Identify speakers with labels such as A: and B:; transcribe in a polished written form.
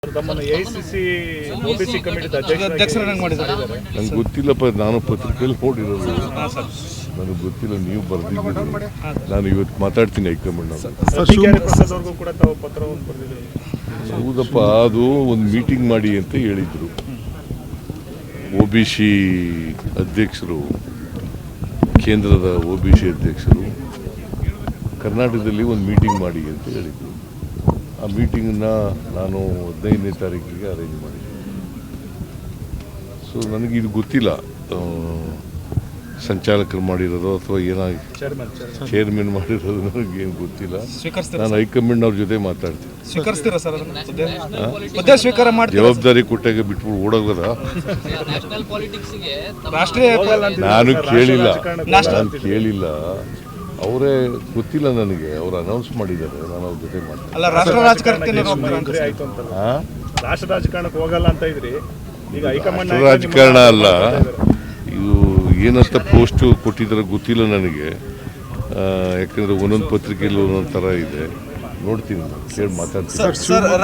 A: ತಮ್ಮನ್ನು AICC OBC committee ಅಧ್ಯಕ್ಷರನ್ನಾಗಿ ಮಾಡಿದ್ದಾರೆ.
B: ನಂಗೆ ಗೊತ್ತಿಲ್ಲಪ್ಪ, ನಾನು ಪತ್ರಿಕೆಯಲ್ಲಿ ನೋಡಿರೋದು, ನನಗೆ ಗೊತ್ತಿಲ್ಲ. ನೀವು ಬರೆದಿದ್ದೀರಿ, ನಾನು ಇವತ್ತು ಮಾತಾಡ್ತೀನಿ ಹೈಕಮಾಂಡ್.
A: ಪ್ರಸಾದ್ ಅವ್ರಿಗೂ ಕೂಡ ತಾವು ಪತ್ರವನ್ನು ಬರೆದಿದ್ದೀರಿ.
B: ಹೌದಪ್ಪ, ಅದು ಒಂದು ಮೀಟಿಂಗ್ ಮಾಡಿ ಅಂತ ಹೇಳಿದರು. OBC ಅಧ್ಯಕ್ಷರು, ಕೇಂದ್ರದ OBC ಅಧ್ಯಕ್ಷರು ಕರ್ನಾಟಕದಲ್ಲಿ ಒಂದು ಮೀಟಿಂಗ್ ಮಾಡಿ ಅಂತ ಹೇಳಿದರು. ಆ ಮೀಟಿಂಗನ್ನ ನಾನು 15ನೇ ತಾರೀಕಿಗೆ ಅರೇಂಜ್ ಮಾಡಿದ್ದೀನಿ. ಸೊ ನನಗಿದು ಗೊತ್ತಿಲ್ಲ, ಸಂಚಾಲಕರು ಮಾಡಿರೋದು ಅಥವಾ ಏನಾಗಿ ಚೇರ್ಮನ್ ಮಾಡಿರೋದು ನನಗೇನು ಗೊತ್ತಿಲ್ಲ. ನಾನು ಹೈಕಮಾಂಡ್ ಅವ್ರ ಜೊತೆ ಮಾತಾಡ್ತೀನಿ. ಜವಾಬ್ದಾರಿ ಕೊಟ್ಟಾಗ ಬಿಟ್ಬಿಟ್ಟು ಓಡೋಗೋದ? ನಾನು ಕೇಳಿಲ್ಲ, ಅವರೇ ಗೊತ್ತಿಲ್ಲ ನನಗೆ. ಅವ್ರು ಅನೌನ್ಸ್ ಮಾಡಿದ್ದಾರೆ, ನಾನು ಅವ್ರ ಜೊತೆ ಮಾಡ್ತೀನಿ.
A: ರಾಷ್ಟ್ರ ರಾಜಕಾರಣಕ್ಕೆ ಹೋಗಲ್ಲ ಅಂತ ಇದ್ರಿ, ಈಗ ಹೈಕಮಾಂಡ್
B: ರಾಜಕಾರಣ ಅಲ್ಲ ಇದು. ಏನಂತ ಪೋಸ್ಟು ಕೊಟ್ಟಿದ್ದಾರೆ ಗೊತ್ತಿಲ್ಲ ನನಗೆ, ಯಾಕಂದರೆ ಒಂದೊಂದು ಪತ್ರಿಕೆಯಲ್ಲಿ ಒಂದೊಂದು ಥರ ಇದೆ. ನೋಡ್ತೀನಿ, ಕೇಳಿ ಮಾತಾಡ್ತೀನಿ.